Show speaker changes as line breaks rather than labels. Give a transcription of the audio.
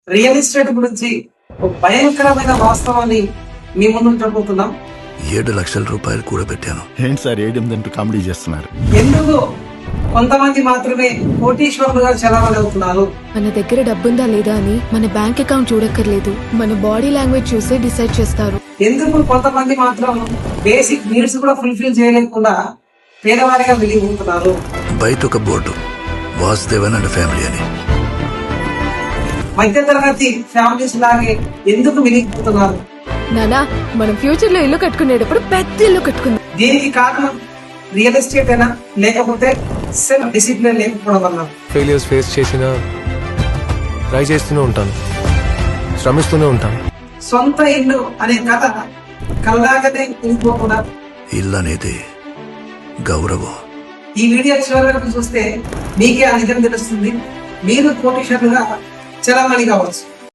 Real estate గురించి ఒక భయంకరమైన వాస్తవాన్ని మీ ముందు ఉంచబోతున్నాం.
7 లక్షల రూపాయలు కూడబెట్టాను.
ఏంటి సార్ 7-8 కామెడీ చేస్తున్నారు?
ఎందుకు కొంతమంది మాత్రమే కోటీశ్వరులుగా చలామణి అవుతున్నారు?
మన దగ్గర డబ్బుందా లేదా అని మన బ్యాంక్ అకౌంట్ చూడక్కర్లేదు, మన బాడీ లాంగ్వేజ్ చూసే డిసైడ్ చేస్తారు.
ఎందుకు కొంతమంది మాత్రం బేసిక్ నీడ్స్ కూడా ఫుల్ఫిల్ చేయలేకుండా పేదవారిగా వెలిగిపోతున్నారు?
బయట ఒక బోర్డు, వాసుదేవన్ అండ్ ఫ్యామిలీ అని.
మధ్యతరగతి ఫ్యామిలీస్ లాగే ఎందుకు వెలిగిపోతున్నారు?
నానా, మనం ఫ్యూచర్ లో ఇల్లు కట్టుకునేటప్పుడు పెద్ద ఇల్లు కట్టుకుందాం.
దీనికి కారణం రియల్ ఎస్టేట్ అయినా లేకపోతే సెల్ఫ్ డిసిప్లిన్ లేకపోవడం వల్ల?
ఫెయిలియర్స్ ఫేస్ చేసినా ట్రై చేస్తూనే ఉంటాను, శ్రమిస్తూనే ఉంటాను.
సొంత ఇల్లు అనే కథ కలగానే ఇంకోకుండా
ఇల్లు అనేది గౌరవం.
ఈ వీడియో చివరి వరకు చూస్తే మీకే ఆ నిజం తెలుస్తుంది. మీరు కోటీశ్వరులుగా చలామణి కావచ్చు.